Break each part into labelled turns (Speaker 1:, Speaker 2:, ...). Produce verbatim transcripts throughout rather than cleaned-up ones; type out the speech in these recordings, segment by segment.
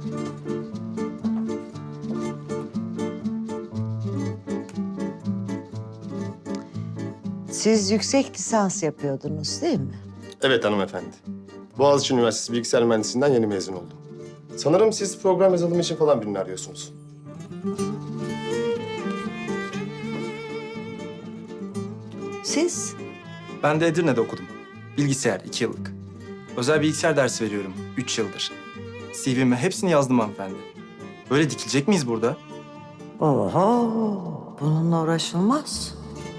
Speaker 1: Siz yüksek lisans yapıyordunuz değil mi?
Speaker 2: Evet hanımefendi. Boğaziçi Üniversitesi Bilgisayar Mühendisliğinden yeni mezun oldum. Sanırım siz program yazılımı için falan birini arıyorsunuz.
Speaker 1: Siz?
Speaker 3: Ben de Edirne'de okudum. Bilgisayar iki yıllık. Özel bilgisayar dersi veriyorum üç yıldır. C V'me hepsini yazdım hanımefendi. Böyle dikilecek miyiz burada?
Speaker 1: Oho, bununla uğraşılmaz.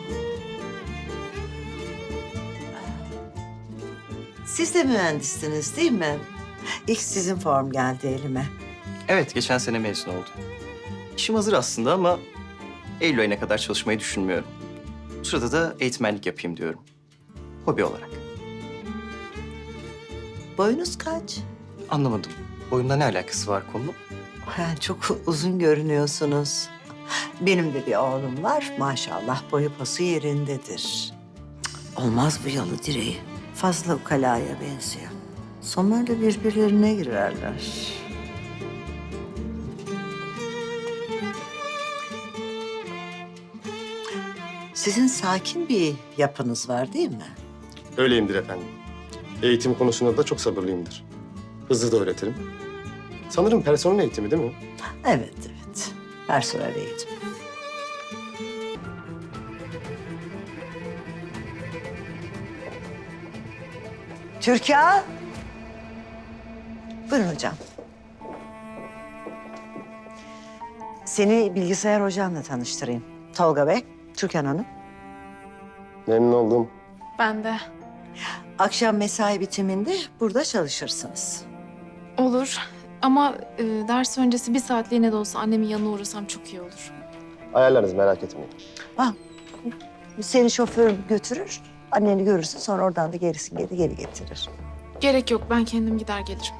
Speaker 1: Siz de mühendissiniz değil mi? İlk sizin form geldi elime.
Speaker 4: Evet, geçen sene mezun oldum. İşim hazır aslında ama Eylül ayına kadar çalışmayı düşünmüyorum. Bu sırada da eğitmenlik yapayım diyorum. Hobi olarak.
Speaker 1: Boyunuz kaç?
Speaker 4: Anlamadım. Boyumla ne alakası var konunun?
Speaker 1: Ha, çok uzun görünüyorsunuz. Benim de bir oğlum var. Maşallah boyu posu yerindedir. Cık, olmaz bu yalı direği. Fazla ukalaya benziyor. Sonlarda birbirlerine girerler. Sizin sakin bir yapınız var değil mi?
Speaker 2: Öyleyimdir efendim. Eğitim konusunda da çok sabırlıyımdır. Hızlı da öğretirim. Sanırım personel eğitimi değil mi?
Speaker 1: Evet, evet. Personel eğitim. Türkan. Buyurun hocam. Seni bilgisayar hocamla tanıştırayım. Tolga Bey, Türkan Hanım.
Speaker 2: Memnun oldum.
Speaker 5: Ben de.
Speaker 1: Akşam mesai bitiminde burada çalışırsınız.
Speaker 5: Olur. Ama e, ders öncesi bir saatliğine de olsa annemin yanına uğrasam çok iyi olur.
Speaker 2: Ayarlarız, merak etmeyin.
Speaker 1: Ha, seni şoför götürür, anneni görürsün sonra oradan da gerisini geri, geri getirir.
Speaker 5: Gerek yok. Ben kendim gider gelirim.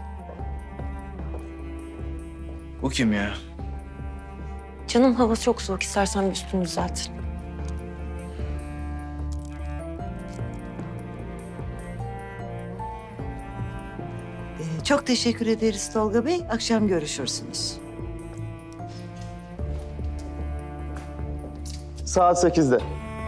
Speaker 3: Bu kim ya?
Speaker 6: Canım hava çok soğuk. İstersen bir üstünü düzelt.
Speaker 1: Ee, çok teşekkür ederiz Tolga Bey. Akşam görüşürsünüz.
Speaker 2: Saat sekizde.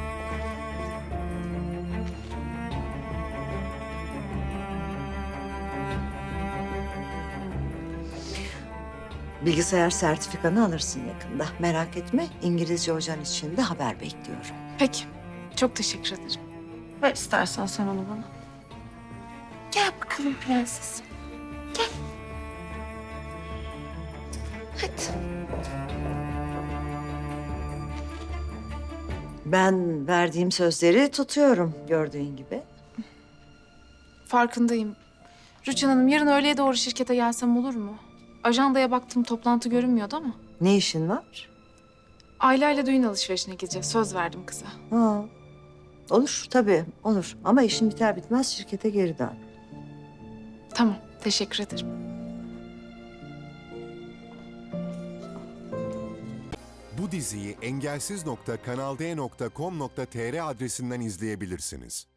Speaker 1: Bilgisayar sertifikanı alırsın yakında. Merak etme, İngilizce hocan için de haber bekliyorum.
Speaker 5: Peki. Çok teşekkür ederim.
Speaker 6: Ver istersen sen onu bana. Gel bakalım prensesim. Gel. Hadi.
Speaker 1: Ben verdiğim sözleri tutuyorum gördüğün gibi.
Speaker 5: Farkındayım. Rüçhan Hanım, yarın öğleye doğru şirkete gelsem olur mu? Ajandaya baktım, toplantı görünmüyordu ama.
Speaker 1: Ne işin var?
Speaker 5: Aileyle düğün alışverişine gideceğiz. Söz verdim kıza.
Speaker 1: Ha. Olur tabii, olur. Ama işin biter bitmez şirkete geri dön.
Speaker 5: Tamam. Teşekkür ederim.
Speaker 7: Bu diziyi engelsiz nokta kanalde nokta com nokta tr adresinden izleyebilirsiniz.